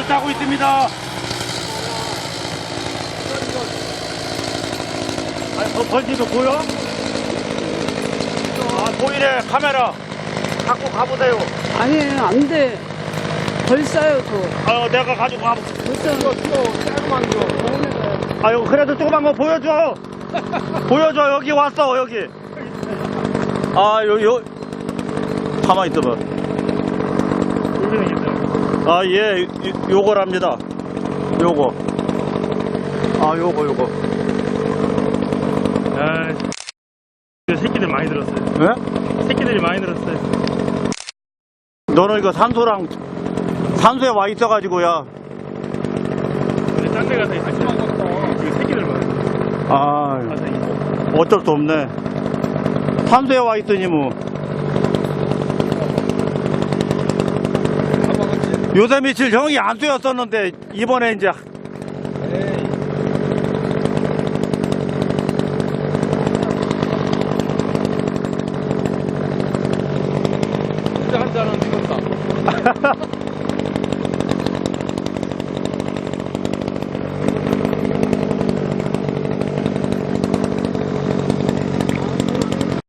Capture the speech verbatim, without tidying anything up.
타고 있습니다. 아니, 저 번지도 보여? 아, 보이네, 카메라. 갖고 가보세요. 아니에요, 안 돼. 벌써요, 저. 아, 내가 가지고 가볼게. 벌써. 이거 조그만 거. 아유, 그래도 조그만 거 보여줘. 보여줘, 여기 왔어, 여기. 아, 요, 요. 가만히 있어봐. 아, 예, 요, 요거랍니다. 요거. 아, 요거, 요거. 아, 새끼들 많이 들었어요. 예? 새끼들이 많이 들었어요. 너는 이거 산소랑, 산소에 와 있어가지고야. 근데 딴 데 가서 있었어요. 이거 새끼들 많이. 아, 가서 어쩔 수 없네. 산소에 와 있으니 뭐. 요새 며칠 형이 안 쏘였었는데, 이번에 이제. 진짜 한 잔은 찍었다.